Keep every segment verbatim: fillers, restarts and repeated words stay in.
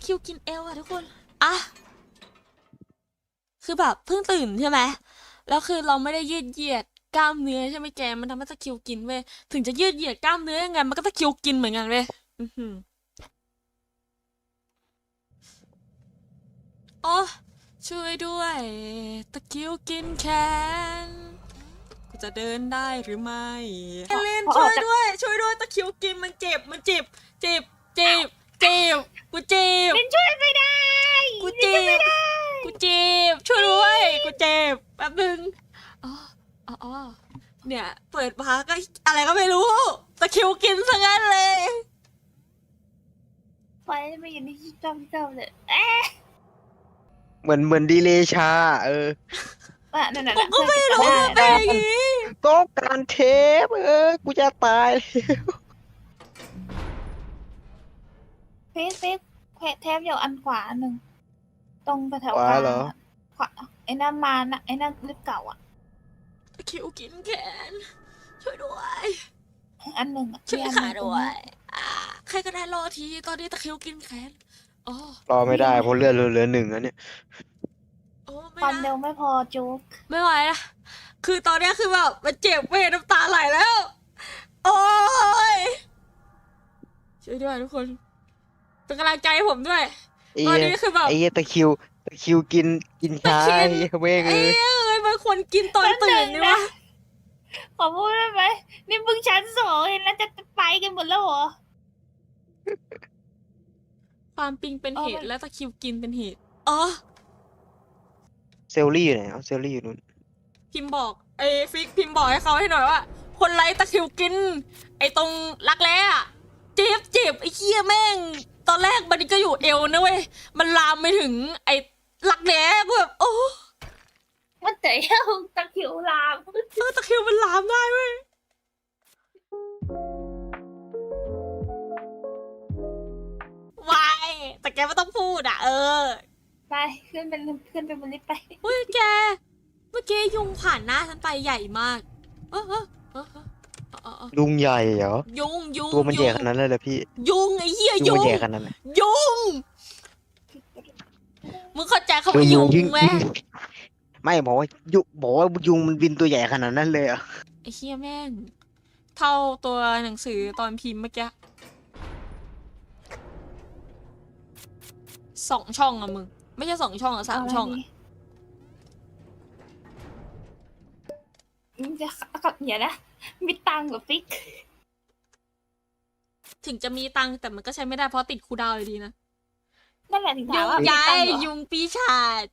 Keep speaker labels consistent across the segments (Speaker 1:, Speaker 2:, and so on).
Speaker 1: คิวกินเอลอะทุกคนอ่ะคือแบบเพิ่งตื่นใช่ไหมแล้วคือเราไม่ได้ยืดเหยียดกล้ามเนื้อใช่ไหมแกมันทำให้ตะคริวกินเว้ยถึงจะยืดเหยียดกล้ามเนื้อยังไงมันก็ตะคริวกินเหมือนกันเว้ยอือหือโอ้ช่วยด้วยตะคริวกินแขนกูจะเดินได้หรือไม่เอเลนช่วยด้วยช่วยด้วยตะคริวกินมันเจ็บมันเจ็บเจ็บเจ็บเจ็บกูเจ็บ
Speaker 2: เป็นช่วยไม่ได้
Speaker 1: กูเจ็บกูเจ็บช่วยด้วยกูเจ็บแป๊บนึงอ๋ออ๋ออ๋อเนี่ยเปิดมาก็อะไรก็ไม่รู้ตะคริวกินซะงั้นเลย
Speaker 2: ไฟไม่อยู่ในที่จ้องเจ้าเลยเอ๊ะ
Speaker 3: เหมือนเหมือนดีเลย์ชา เออ
Speaker 2: อ่ะนั่นน่ะ
Speaker 1: ผมก็ไม่รู้ว่าเป็นอย่างงี้
Speaker 3: ต้องการเทปเออ กูจะตายแล้ว
Speaker 2: เฟซเฟซแทบอยู่อันขวาหนึ่งตรงไปแถว
Speaker 3: ขวาก
Speaker 2: ลาง
Speaker 3: เหรอ
Speaker 2: อะขวาไอ้นั่นมานะไอ้นั่นลิฟต์เก่าอ่ะ
Speaker 1: ตะคริวกินแขนช่วยด้วย
Speaker 2: อันหนึ่งอะ
Speaker 1: ช่วย
Speaker 2: ที่อันห
Speaker 1: ขา
Speaker 2: นึ่งตรง
Speaker 1: ด้ว
Speaker 2: นี้
Speaker 1: ยอ่าใครก็ได้รอทีตอนนี้ตะคริวกินแขนอ๋อ
Speaker 3: รอไม่ได้เพราะเลือดเหลือหนึ่งแล้วเนี่ย
Speaker 1: โอ้ไม่
Speaker 2: ความ
Speaker 1: นะ
Speaker 2: เร็วไม่พอจุก
Speaker 1: ไม่ไหวนะคือตอนเนี้ยคือแบบมันเจ็บเว้ยน้ำตาไหลแล้ว โอ้ยช่วยด้วยทุกคนเป็นกำลังใจให้ผมด้วย
Speaker 3: ไอ้
Speaker 1: ตอน
Speaker 3: เหี้ย
Speaker 1: นี้คือแบบ
Speaker 3: ไอ้เหี้ยตะคริวตะคริวกินกินชา
Speaker 1: ตะคริว
Speaker 3: ไอ้เหี้ยเว้ง
Speaker 1: เอ้
Speaker 3: เอย อ
Speaker 1: เอ้ยมันควรกินตอนตื่นนี่วะ
Speaker 2: ขอพูดได้ไหมนี่เพิ่งชั้นสองเห็นแล้วจะไปกันหมดแล้วเหรอ
Speaker 1: ความปิงเป็นเห
Speaker 2: เออ
Speaker 1: ตุ
Speaker 2: มัน
Speaker 1: และตะคริวกินเป็นเหตุอ๋อ
Speaker 3: เซลลี่อยู่ไหนเอาเซลลี่อยู่นู่น
Speaker 1: พิมพ์บอกไอ้ฟิกพิมพ์บอกให้เขาให้หน่อยว่า คนไร้ตะคริวกิน ไอ้ตรงรักแร้อะเจ็บเจ็บไอ้เคี้ยแม่ง ตอนแรกมันก็อยู่เอวนะเว้ยมันลามไปถึง ไอ้รักแร้กูแบบโอ้
Speaker 2: มันเตะเอาตะคริวลาม
Speaker 1: เออตะคริวมันลามได้เว้ย วายแต่แกไม่ต้องพูดอ่ะ เออ
Speaker 2: ไปขึ้นเป็นขึ้นเป็นบนลิฟต์ไป
Speaker 1: เฮ้ยแก เมื่อกี้ยุงผ่านหน้าฉันไปใหญ่มาก เออเออเออเออเออเออ
Speaker 3: ลุงใหญ่เหรอ
Speaker 1: ยุงยุง
Speaker 3: ตัวมันใหญ่
Speaker 1: ยุง
Speaker 3: ขนาดนั้นเลยเหรอพี่
Speaker 1: ยุงไอ้เหี้ย
Speaker 3: ยุง
Speaker 1: ยุ
Speaker 3: มัน
Speaker 1: ง
Speaker 3: ใหญ่ขนาดนั้นเลย
Speaker 1: ยุง มึงเข้าใจคำ
Speaker 3: คือ
Speaker 1: ว่า
Speaker 3: ยุ
Speaker 1: ยุ
Speaker 3: ง
Speaker 1: ง
Speaker 3: ยิ่ง
Speaker 1: ไหม
Speaker 3: ยิ่งไม่บอกว่ายุบอกว่ายุงมันบินตัวใหญ่ขนาดนั้นเลยเหรอ
Speaker 1: ไอ้เหี้ยแม่ง เท่าตัวหนังสือตอนพิมพ์เมื่อกี้สองช่องอะมึง ไม่ใช่สองช่องอะสามช่องอะ
Speaker 2: มันจะขับอย่านะมีตังค์กับฟิก
Speaker 1: ถึงจะมีตังค์แต่มันก็ใช้ไม่ได้เพราะติดคูลดาวน์อยู่ดีนะ
Speaker 2: นั่นแหละถึง
Speaker 1: ยุ
Speaker 2: ถาม
Speaker 1: ง
Speaker 2: ว่ามี
Speaker 1: ยา
Speaker 2: ตัง
Speaker 1: ย
Speaker 2: ค์เหรอ
Speaker 1: ยุงปีศาจ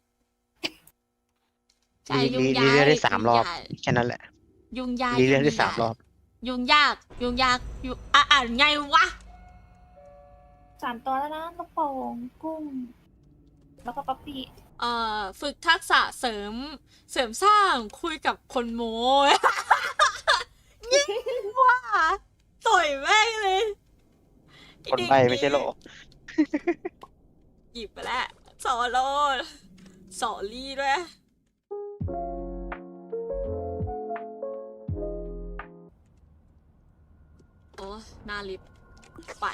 Speaker 1: ใช่
Speaker 3: รี
Speaker 1: ยุง
Speaker 3: รี
Speaker 1: ยา
Speaker 3: รี
Speaker 1: ย
Speaker 3: เลือดได้สามรอบ
Speaker 1: ยุงยาย
Speaker 3: แค่นั้นแหละ
Speaker 1: ยุงยาย
Speaker 3: รีเลือดได้
Speaker 1: ยุง
Speaker 3: สาม
Speaker 1: ยาย
Speaker 3: รอบ
Speaker 1: ยุงยาก ยุงยากยุงอ่ะอ่านไงวะ
Speaker 2: สามตัวแล้วนะลูกโป่งกุ้ง แล้วก็ป๊อปปี้
Speaker 1: เอ่อ ฝึกทักษะเสริม เสริมสร้างคุยกับคนโม้ ยิ่งว่าต่อยแม่งเลยอ้
Speaker 3: คน
Speaker 1: เด็ก
Speaker 3: ใบไม่ใช่เหรอ
Speaker 1: หยิบไปแล้วสอโลสอลี่ด้วย โอ้หน้าลิฟต์ปัด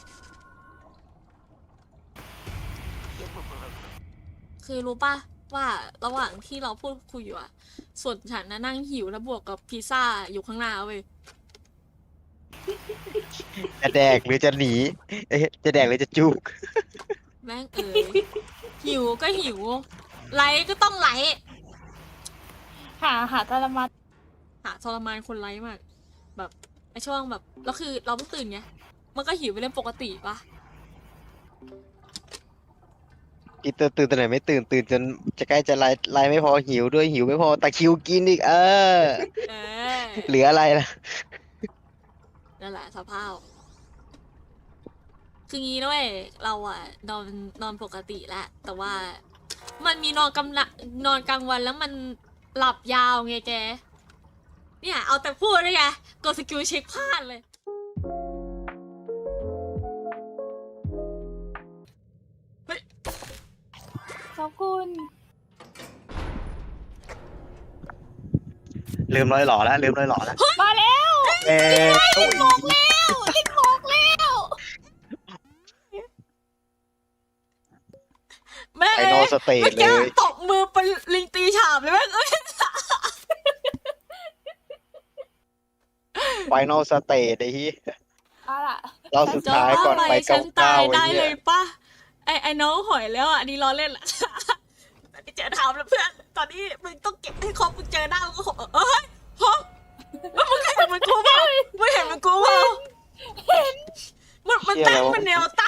Speaker 1: คือรู้ป่ะว่าระหว่างที่เราพูดคุยอยู่อะส่วนฉันนะนั่งหิวแล้วบวกกับพิซซ่าอยู่ข้างหน้าเว้ย
Speaker 3: จะแดกหรือจะหนีเอ๊ะจะแดกหรือจะจุก
Speaker 1: แม่งเอ๋ย หิวก็หิว ไลฟ์ก็ต้องไลฟ์
Speaker 2: หาหาตะลมา
Speaker 1: หาทรมานคนไลฟ์มาก แบบไอช่วงแบบแล้วคือเราเพิ่งตื่นไง มันก็หิวไปเรื่องปกติปะ
Speaker 3: อีตื่นตื่นตอนไหนไม่ตื่นตื่นจนจะใกล้จะไล่ไล่ไม่พอหิวด้วยหิวไม่พอตะคริวกินอีกเออ
Speaker 1: เออ
Speaker 3: เหลืออะไรล่ะ
Speaker 1: นั่นแหละสภาพ คืองี้ด้วยเราอะนอนนอนปกติแหละ แต่ว่ามันมีนอนกำลังนอนกลางวันแล้วมันหลับยาวไงแก เนี่ยเอาแต่พูดเลยไงกดสกิลเช็คพลาดเลย
Speaker 2: ขอบคุณ
Speaker 3: ลืมร้อยหล่อแล้วลืมร้อยหล่อแล้ว
Speaker 2: มาแล้ว
Speaker 3: เอ๊ะโอ้ย
Speaker 2: บอกแล้วลิฟต์บอกแล้ว
Speaker 3: สเตจ
Speaker 1: เมื่อ
Speaker 3: เล
Speaker 1: กี้
Speaker 3: ย
Speaker 1: ตบมือเป็นลิงตีฉาบเลยแม่งเอ้ย
Speaker 3: ไฟนอลสเตจไอ้ที่
Speaker 2: เอาล่ะ
Speaker 3: เราสุดท้ายก่อนไป
Speaker 1: ฉั
Speaker 3: เก้าน เก้า
Speaker 1: ตาย
Speaker 3: ไอ้
Speaker 1: ได้
Speaker 3: เหี้
Speaker 1: เลย ยป่ะไอไอน้องหอยแล้วอ่ะอันนี้ล้อเล่นละ ตอนนี้เจอถามแล้วเพื่อนตอนนี้มึงต้องเก็บให้ครบมึงเจอหน้ามึงก็หกเอ้ยฮะแล้วมึงเห็นมันกูเปล่ามึงเห็นมันกูเปล่ามันมันตั้งมันแนว